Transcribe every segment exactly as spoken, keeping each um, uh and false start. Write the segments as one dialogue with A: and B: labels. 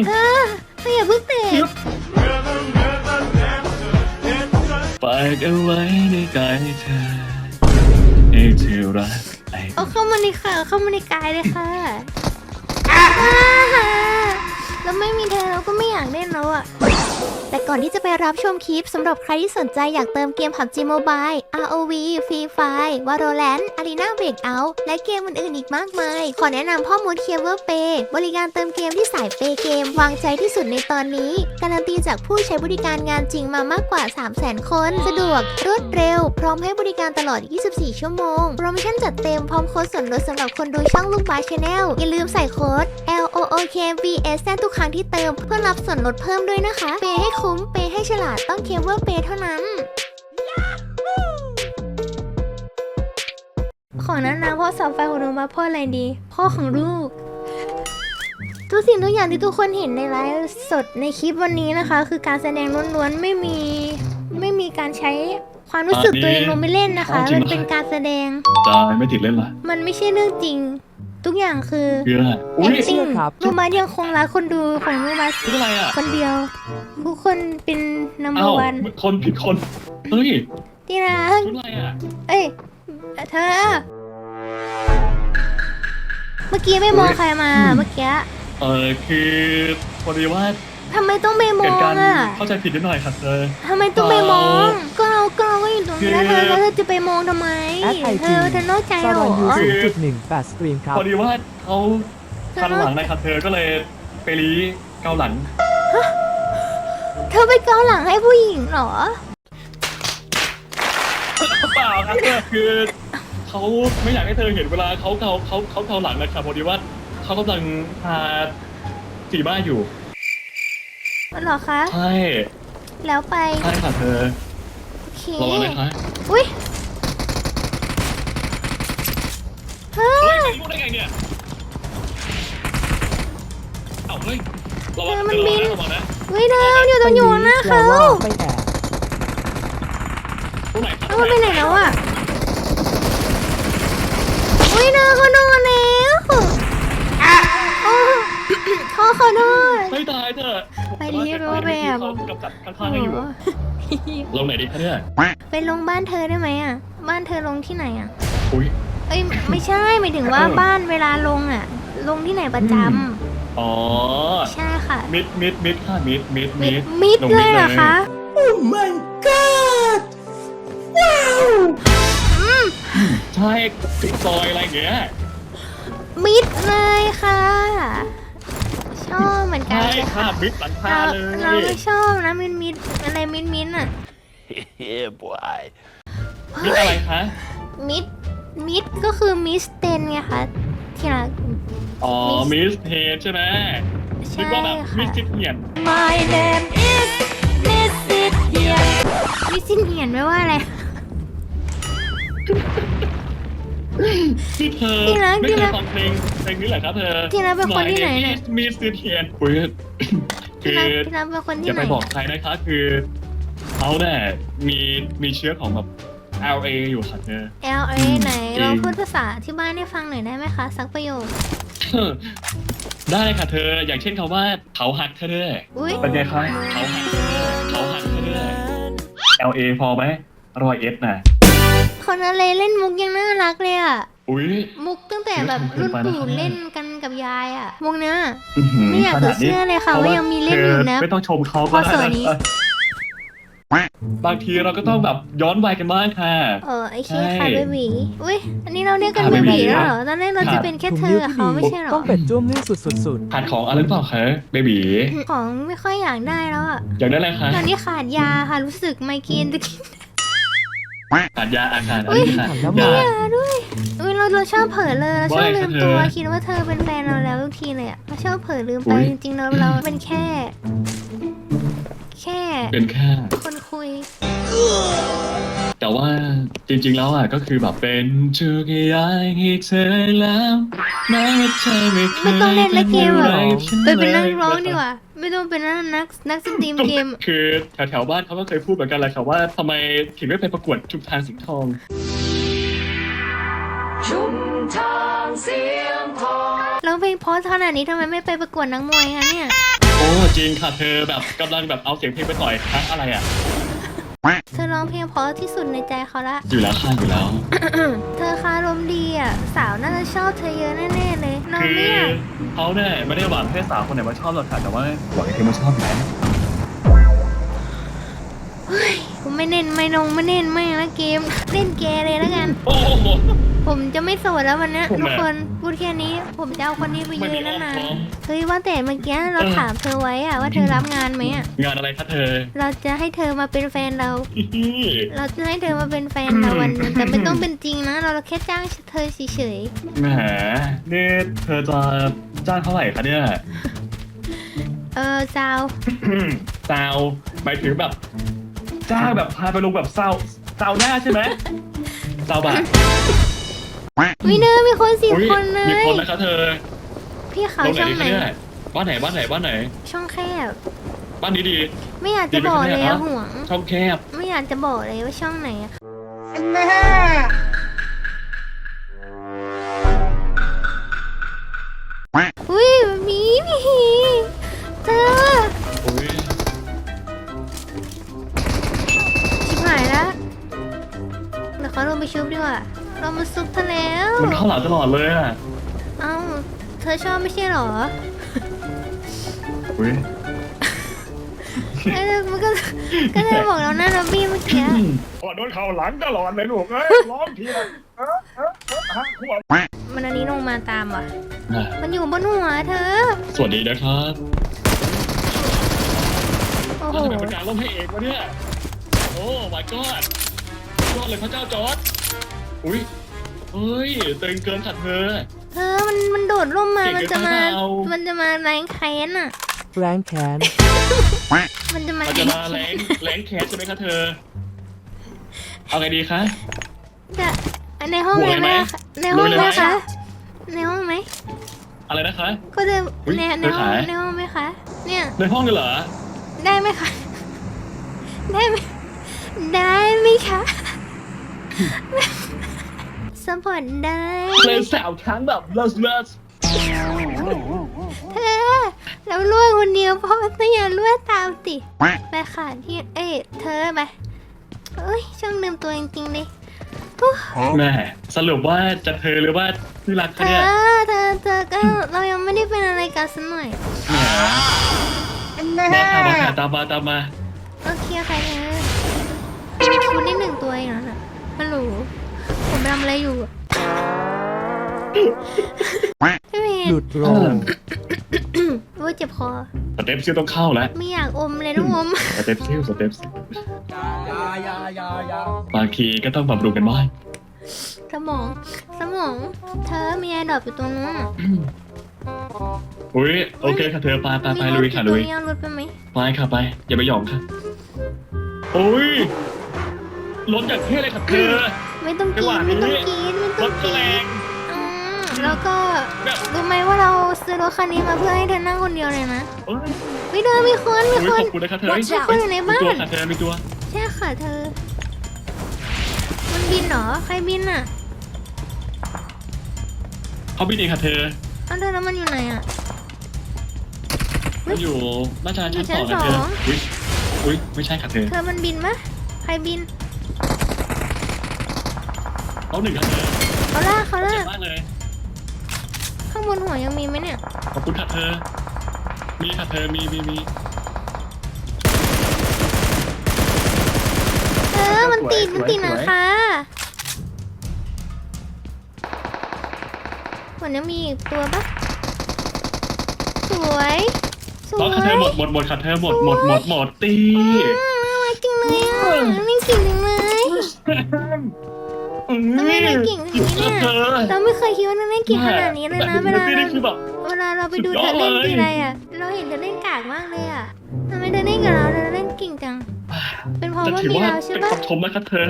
A: เออไม่อย่าเพิ่งเตะ
B: ฝากเอาไว้ในกายเธอให้เธอรัก
A: เอาเข้ามาในค่ะเข้ามาในกายเลยค่ะแล้วไม่มีเธอเราก็ไม่อยากเล่นแล้วอะแต่ก่อนที่จะไปรับชมคลิปสำหรับใครที่สนใจอยากเติมเกม พับจี Mobile อาร์ โอ วี Free Fire Valorant Arena Breakout และเกมอื่นๆอีกมากมายขอแนะนำพ่อมด Clever Pay บริการเติมเกมที่สายเปย์เกมวางใจที่สุดในตอนนี้การันตีจากผู้ใช้บริการงานจริงมามากกว่า สามแสน คนสะดวกรวดเร็วพร้อมให้บริการตลอด ยี่สิบสี่ ชั่วโมงโปรโมชั่นจัดเต็มพร้อมโค้ดส่วนลดสำหรับคนดูช่องลูกบาส Channel อย่าลืมใส่โค้ด แอล โอ โอ เค วี เอส ทุกครั้งที่เติมเพื่อรับส่วนลดเพิ่มด้วยนะคะเปย์ให้คุ้มเปย์ให้ฉลาดต้องเคเบิลเปย์เท่านั้นขอนั้นนะพ่อสาวไฟของหนูมาพ่ออะไรดีพ่อของลูกทุกสิ่งทุกอย่างที่ทุกคนเห็นในไลฟ์สดในคลิปวันนี้นะคะคือการแสดงล้วนๆไม่มีไม่มีการใช้ความรู้สึกตัวเองลงไปเล่นนะคะมันเป็นการแสดง
B: ตายไม่ติดเล่นละ
A: มันไม่ใช่เรื่องจริงทุกอย่างคือ
B: acting
A: ลูกบาสยังคงรักคนดูของลูกบาสคนเดียวทุกคนเป็นนัมเบอร์วัน
B: คนผิดคนเฮ้ย
A: ที่รัก
B: อะไรอ่ะ
A: เอ้ยเธอเมื่อกี้ไม่มองใครมาเมื่อกี้
B: เออคือพอดีว่า
A: ทำไมต้องไปมองอ่ะ
B: เข้าใจผิดนิดหน่อยครับเธอ
A: ทำไมต้องไปมองก็เราก็เราก็อยู่ตรงนี้แล้วเธอแล้วเธอจะไปมองทำไมเธอเธอนอกใจเหรอ
C: ศูนย์จุดหนึ่งแปดสตรีมครับ
B: พอดีว่าเขาคันหลังนะครับเธอก็เลยไปรีเกาหลัง
A: เธอไปเกาหลังให้ผู้หญิงเหรอ
B: เปล่าครับเธอคือเขาไม่อยากให้เธอเห็นเวลาเขาเกาเขาเขาเกาหลังนะครับพอดีว่าเขากำลังพาจีบ้าอยู่
A: เหรอคะ
B: ใช่
A: แล้วไป
B: ใช่ค่ะเธอ
A: โอเค
B: รอนะคะ
A: อุ้ย
B: เฮ้ยรู้ได้ไงเนี่ยเอ้าเฮ้ย
A: เธอมันบินเฮ้ยเธออยู่ตรงอยู่หน้าเขา
B: ตรงไหน
A: เขาไปไหนแล้วอ่ะอุ้ยเธอเขาโดนแล้วเขาขอโทษ
B: ไม่ตายเธอ
A: ไปที่รูปแบบ
B: กับจัดข้างๆอยู่ลงไหนดีคะเนี่ย
A: ไปลงบ้านเธอได้ไหมอ่ะบ้านเธอลงที่ไหนอ่ะ
B: อุ้ย
A: เอ้ยไม่ใช่หมายถึงว่าบ้านเวลาลงอ่ะลงที่ไหนประจำ
B: อ๋อ
A: ใช่ค่ะ
B: มิดมิดมิดค่ะมิดมิด
A: มิดมิดเลยเหรอคะ
C: โอ้ my god ว้าว
B: ใช่ซอยอะไรเงี้ย
A: มิดเลยค่ะชอบเหมือนกัน
B: ใช่ค่ะมิดหลังคาเลย
A: เราไม่ชอบนะมิดมิดอะไรมิดมิดอ่ะ
B: เฮ้ยบอยมิดอะไรคะ
A: มิดมิดก็คือมิสเตนไงคะที่รัก
B: อ๋อมิสเทนใช่ไหม
A: ใช่ค่ะ
B: มิสซิเฮียน
A: My name is Miss It เฮียนมิสซิเฮียนไม่ว่าอะไร
B: ที่เธอไม่เคยฟังเพลงเพลงนี้เหรอครับเธอ
A: ที่รักเป็นคนที่ไหนเนี่ย
B: มิสซิเฮียนคุย
A: คือที่รักเป็นคนที่ไหน
B: อย่าไปบอกใครนะคะคือเขาเนี่ยมีมีเชื้อของแบบ แอล เอ อยู่ค่ะเธอ
A: แอล เอ ไหนเราพูดภาษาที่บ้านให้ฟังหน่อยได้ไหมคะสักประโยค
B: ได้ค่ะเธออย่างเช่นคำว่าเขาหักเธอเด้อเป็นไงคะเขาหักเธอเขาหักเธอเด้อ แอล เอ พอไหมรอยเอสน่ะ
A: คนอะไรเล่นมุกยังน่ารักเลยอ่ะ
B: อุ้ย
A: มุกตั้งแต่แบบรุ่นปู่เล่นกันกับยายอ่ะมุกเนี้ยไม่อยากจะเชื่อเลยค่ะว่ายังมีเล่นอยู่นะ
B: ไม่ต้องชมเขาก็ได้บางทีเราก็ต้องแบบย้อนวัยกันบ้างค่ะ
A: เออไอเคค่ะเบบีอุ้ยอันนี้เราเรียกกันเบบีแล้วเหรอตอนแรกเราจะเป็นแค่เธอเขาไม่ใช่หรอ
C: ต้องเป็นจ้วงนี่สุด
B: ๆขาดของอะไรหรือเปล่าคะเบบี
A: ของไม่ค่อยอยากได้แล้วอ่ะ
B: อยากได้อะไรคะ
A: ตอนนี้ขาดยาค่ะรู้สึกไมเกรนจะกิน
B: ขาดยาอาการอะไร
A: ค่ะยาด้วยอุ้ยเราเราชอบเผลอเลยเราชอบลืมตัวคิดว่าเธอเป็นแฟนเราแล้วทุกทีเลยอ่ะเราชอบเผลอลืมไปจริงๆเราเราเป็นแค่แค่
B: เป็นแค่
A: คนคุย
B: แต่ว่าจริงๆแล้วอ่ะก็คือแบบเป็นชูกยายให้เธอแล้วแม้ว่าเธอไม่เคย
A: ไม่ต้องเล่นละเกมหรอไปเป็นนักร้องดีกว่าไม่ต้องเป็นนักนักนักสตรีมเกม
B: คือแถวๆบ้านเขาก็เคยพูดเหมือนกันเลยค่ะว่าทำไมถึงไม่ไปประกวดชุมทางสิงห์ทอง
A: ชุมทางเสียงทองร้องเพลงเพราะขนาดนี้ทำไมไม่ไปประกวดนักมวยคะเนี่ย
B: โจริงค่ะเธอแบบกำลังแบบเอาเสียงเพลงไปต่อยครั้งอะไรอ่ะ
A: เธอร้องเพลงเพราะที่สุดในใจเขาละ
B: อยู่แล้วค่ะอยู่แล้ว
A: เธอคารมดีอ่ะ สาวน่าจะชอบเธอเยอะแน่ๆเลยน้อง
B: คือ
A: เนี่ย
B: เขาเนี่ยไม่ได้หวังให้สาวคนไหนมาชอบหรอกค่ะแต่ว่าหวังให้เธอมาชอบอยู่แล้ว
A: ผมไม่เน้นไม่นงไม่เน้นไม่ละเกม เล่นเกมเลยแล้วกัน
B: โอ้โห
A: ผมจะไม่โสดแล้ววันเนี้ย
B: ผม
A: ทุก
B: อะ
A: คนพูดแค่นี้ ผมจะเอาคนนี้ไป
B: ไม่
A: ยื
B: มี
A: น
B: อ้อม
A: นาน
B: ค้อม
A: ๆเฮ้ยว่าแต่เมื่อกี้เรา
B: เออ
A: ถามเธอไว้อะว่าเธอรับงานไหมอะ
B: งานอะไรคะเธอ
A: เราจะให้เธอมาเป็นแฟนเรา
B: อิฮิ
A: เราจะให้เธอมาเป็นแฟนเราวันหนึงแต่ไม่ต้องเป็นจริงนะ เราแค่จ้างเธอเฉย
B: แหมนี่เธอจะจ้างเท่าไหร่คะเนี่ย
A: ๆเออซาว
B: ซาวหมายถึงแบบจ้างแบบพาไปลงแบบซาวซาวหน้าใช่ไหมซาวบะ
A: วิเนอร์มีคนสี่
B: อุ๊ย
A: คนเล
B: มี
A: ย
B: คนนะคะเธอ
A: พี่เขา
B: ลงไหน
A: ช่อง
B: ดี
A: ไหน
B: คะเนี่ยบ้านไหนบ้านไหนบ้านไหน
A: ช่องแคบ
B: บ้านนี้ดี
A: ไม่อยากจะบอกเลยอะห่วง
B: ช่องแคบ
A: ไม่อยากจะบอกเลยว่าช่องไหนอะอุ้ยหมีหมีเธอ
B: อุ้ย
A: ชิบหายแล้วเดี๋ยวเขาลงไปชุบดีกว่า เรามาซุปเธอแล้ว
B: มันเข้าหลังตลอดเลยอ่ะ
A: เอ้า เธอชอบไม่ใช่เหรอ
B: อุ้ย
A: เอ้ยมันก็ ก็เลยบอกเราหน้าล็อบบี้เมื่อกี้
B: พอโดนเข้าหลังตลอดเลยลูกเอ้ยร้องทีละเออเออเออฮะหัว
A: มันอันนี้ลงมาตามว่ะ
B: อ่ะ
A: มันอยู่บนหัวเธอ
B: สวัสดีนะครับ
A: โอ้โห
B: ทำไมเป็นการล้มให้เอกวะเนี่ยโอ้ my god ยอดเลยพระเจ้าจอร์ดอุ้ยเฮ้ยเต็งเกินขัดเธอ
A: เธอมันมันโดดร่มมา
B: เก่ง
A: มันจะมา
B: เกินไปเปล่า
A: มันจะมาแรงแค้นอ่ะ
C: แรงแค้น
A: มันจะมา
B: มันจะมาแรงแรงแคสใช่ไหมคะเธอ เอาไงดีคะ
A: จะในห้อง
B: บวก
A: เลย
B: เลยไหม
A: ไหมในห้อง
B: ลุย
A: ไห
B: เล
A: ม
B: ยไหม
A: คะ ในห้องไหม
B: อะไรนะคะ
A: ก็จะ
B: อุ๊ย
A: ในใน
B: เธอ
A: ห้อง
B: ขาย
A: ในห้องไหมคะ เนี่ย
B: ในห้องเลยเหรอ
A: ได้ไหมคะ ได้ไหมได้ไหมคะสปอร์ตได้
B: เลยสาวครั้งแบบเลิศเลิศ
A: เธอเราล่วงคนเดียวเพราะว่าเธออย่าล่วงตามสิไปค่ะที่เอ้ยเธอไปเอ้ยช่างลืมตัวจริงๆเลย
B: แม่สรุปว่าจะเธอหรือว่าที่รัก
A: เธ
B: คะ
A: อ
B: เนี่ย
A: เธอเธอก็เรายังไม่ได้เป็นอะไรกันสักหน่อย
B: แหมมาค่ะมาค่ะตามมาตามมา
A: โอเคค่ะเธอคุณได้หนึ่งตัวเองแล้วน่ะฮัลโหลผมทำอะไรอยู่พี่เม
C: หลุ
A: ย์
C: ดโรม
A: ว่าเจ็บคอ
B: สเต็ปซิลต้องเข้าแล้ว
A: ไม่อยากอมเลยน้องอม
B: สเต็ปซิลสเต็ปซิลบางทีก็ต้องบำรุงกันบ้าง
A: สมอง สมอง เธอมีไอดอปอยู่ตรงนู้น
B: อุ้ยโอเคค่ะเธอไปไปไป
A: มีร
B: ลุ
A: ถ
B: ยค่ะ
A: กี่ตั
B: ลุ
A: วย มีเอารถไปไหม
B: ไปค่ะไป อย่าไปหยองค่ะอุ้ยรถอย่างเท่เลยค่ะเธอ
A: ไม่ต้อง
B: จั
A: กิ
B: งหวะ
A: น
B: นี้
A: ไม่ต้องกินไม่
B: ร
A: ต้อง
B: ถก็
A: กิ
B: แร
A: น
B: ง
A: อืมแล้วก็
B: แบบ
A: รู้ไหมว่าเราซื้อรถคันนี้มาเพื่อให้เธอนั่งคนเดียวเลยนะ
B: เอ้ย
A: วิเดินมีคนมี
B: อุ้ย
A: ค
B: ข
A: น
B: อบคุณนะคะเธอ
A: รถมีคนอยู่ในบ้าน
B: มีตัวค่ะเธอมีตัว
A: ใช่ค่ะเธอ มันบินเหรอ ใครบินอ่ะ
B: เขาบินเองค่ะเธอ
A: เอาเธอแล้วมันอยู่ไหนอ่ะ
B: มันอยู่น่าจะชั้น
A: อยู่
B: ส
A: ชั้
B: อน งค่ะเธอ
A: สอง
B: อุ้ยอุ้ยไม่ใช่ค่ะเธอ
A: เธอมันบินมะใครบิน
B: เขาหนึ่งค่ะเธอ
A: เขาล่ากเขา
B: เจ็
A: ล่า
B: บ
A: ก
B: มากเลย
A: ข้างบนหัวยังมีไหมเนี่ย
B: ขอบคุณค่ะเธอ มีค่ะเธอมีมีมี
A: เออ มันติด มันติด
B: สวย
A: นะคะเหมือนยังมีอีกตัวปะสวย ส
B: น้
A: ว
B: อง
A: ย
B: ค่ะเธอหมดหมดหมดค่ะเธอหมดหมดหมดหมดตี
A: อืมน่ารักจริงเลยอ่ะนี่เก่งจังเลย
B: อืม
A: ทำไมเราเก่งขนาดนี้เนี่ย
B: เธอ
A: เราไม่เคยคิดว่าเราเล่นเก่งขนาดนี้เลยนะ เวลา
B: ตี
A: เรา
B: นี่คือแบบ
A: เวลาเราไปดู
B: สุด
A: เธ
B: ยอ
A: อ
B: ด
A: เล่น
B: เลย
A: ทีไรอ่ะ เราเห็นเธอเล่นกากมากเลยอ่ะทำไมเธอเล่นกับเราเธอเล่นเก่งจัง เป็นเพราะ
B: จะ
A: ว่า
B: ถือ
A: มี
B: ว่า
A: เราใช่
B: เป็น
A: ปะ
B: คำชมนะคะเธอ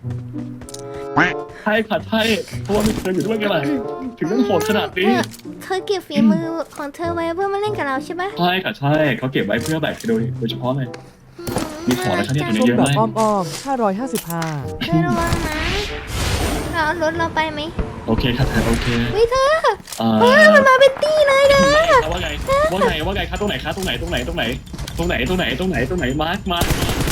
B: ใช่ค่ะใช่เพราะว่ามีเธออยู่ด้วยไงล่ะถึงต้องโหดขนาดนี้
A: เธอเธอเก็บฝีมือของเธอไว้เพื่อมาเล่นกับเราใช่ปะ
B: ใช่ค่ะใช่เขาเก็บไว้เพื่อแบกโดยโดยเฉพาะเลย มีของอะไรคะเนี่ย
C: ส้มแบบอ้อมๆห้าร้อยห้าสิบห้า
A: เธอระวังนะเราเอารถเราไปไหม
B: โอเคค่ะเธอโอเค
A: เฮ้ยเธอ
B: อ่า
A: เฮ้ยมันมาเป็นตี้เลยเธอ
B: ว่าไงว่าไงว่าไงคะตรงไหนคะตรงไหนตรงไหนตรงไหนตรงไหนตรงไหนตรงไหนตรงไหนมาร์คมาร์ค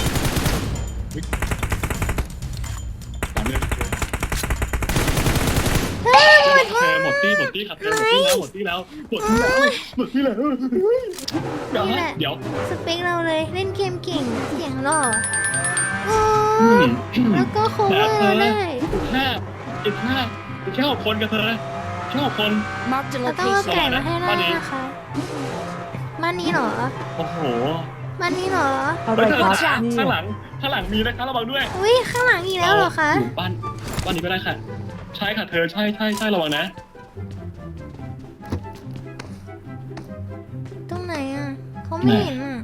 B: ตามเรื่องเธอหมดที่หมดที่ครับเธอหมดที่แล้วหมดที่แล้วหมดที่แล้วหมดที่แล้ว
A: นี่แหละ
B: เดี๋ยว
A: สเปคเราเลยเล่นเกมเก่งเสียงหล่อโอ้
B: อืม
A: แล้วก็โคเวอร์เราได้
B: อีกห้าอีกห้าอีกแค่หกคนกับเธอแค่หกคน
D: Marked a
A: เราต้องเอา
D: location.
A: ไก่มาให้ได้นะคะบ้านนี้เหรอ
B: โอ้โห
A: บ้านนี้เหรอ
C: อะไร
B: เฮ้ย
C: ครับ
B: ข้าง
C: เนี่
B: ข้าง
C: ย
B: หลังข้างหลังมีนะคะระวังด้วย
A: อุ้ยข้างหลังอีกแล้วเหรอคะ
B: ยู่บ้านบ้านนี้ก็ได้ค่ะ ใช่ค่ะเธอใช่ใช่ใช่ระวังนะ
A: ตรงไหนอ่ะเขาไม่เห็นอ่ะ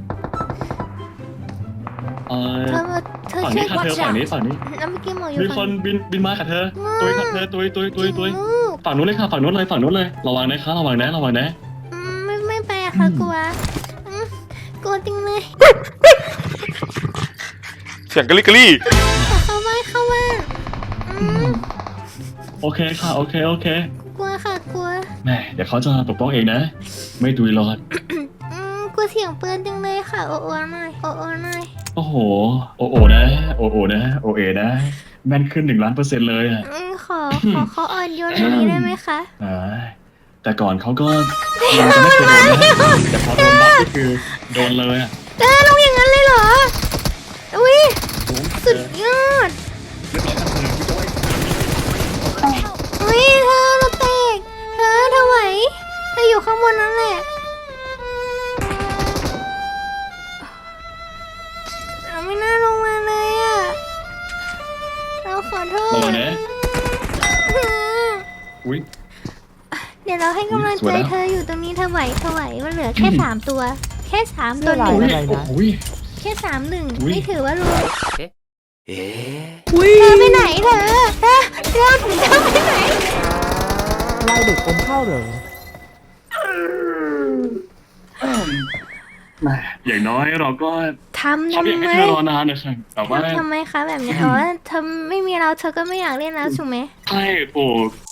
B: เออ
A: เธอมาเธอ
B: ฝั่ง
A: ช่ว
B: นี้
A: ย
B: ค่ะเธอฝั่งนี้ฝั่งนี้
A: แล้วเมื่อกี้หมออยู่
B: มีค
A: ฝั่
B: น
A: ง
B: บินบินมาค่ะเธอตุยค่ะเธอตุยตุยตุยตุย
A: ลูก
B: ฝั่งนู้นเลยค่ะฝั่งนู้นเลยฝั่งนู้นเลยระวังนะคะระวังนะระวังนะ
A: อืมไม่ไม่ไปอะค่ะกลัวอืมกลัวจริงเลย
E: เสียงกะลิกะลี่
A: ขอเข้าบ้านเข้าบ้านอืม
B: โอเคค่ะโอเคโอเค
A: กลัวค่ะกลัว
B: แม่เดี๋ยวเขาจะปกป้องเองนะ ไม่ตุยหรอก
A: อืมกลัวเสียงปืนจังเลยค่ะโอโอหน่อยโอโอหน่อย
B: โอ้โหโอโอนะโอโอนะโอเอนะแม่นขึ้นหนึ่งล้านเปอร์เซ็นต์เลยอ่ะ
A: อืมขอขอเขาอ่อนโยนกว่านี้ได้ไหมคะ
B: อ่าแต่ก่อนเขาก็ยังจะไม่เคยโดนนะแต่พอโดนบัฟก็คือโดนเลยอ่ะ
A: เธอลงอย่างนั้นเลยเหรออุ้ยสุดยอด
B: เรียบร้อยครับเธอพี่โจ้ย
A: อุ้ยเธอเราแตกเธอเธอไหวเธออยู่ข้างบนนั่นแหละเราไม่น่าลงมาเลยอ่ะเราขอโท
B: ระวั
A: ษ
B: งนะอุ้ย
A: เดี๋ยวเราให้กำลัง
B: สว
A: ใจ
B: ยแล้ว
A: เธออยู่ตรงนี้เธอไหวเธอไหวมันเหลือแค่สามตัว แค่สามตัวห
C: เสื้
A: นึ่
C: อง ลาย
B: อุ้ยโอ้โห
A: แค่สามหนึ่ง
B: อุ๊ย
A: ไม่ถือว่ารู้
C: อุ้ย
A: เธอไปไหนเธอเธอเธอเธอไปไหน
C: ลายเด็กอมข้าวเหรอ
B: แม่อย่างน้อยเราก็
A: ทำ
B: เขา
A: ทำ
B: อยาก
A: ไม
B: ให้เธอรอนานนะครับแต่ว่า
A: ทำทำไมคะแบบนี้อ๋อเธอไม่มีเราเธอก็ไม่อยากเล่นแล้วถูกไหม
B: ใช่โอ้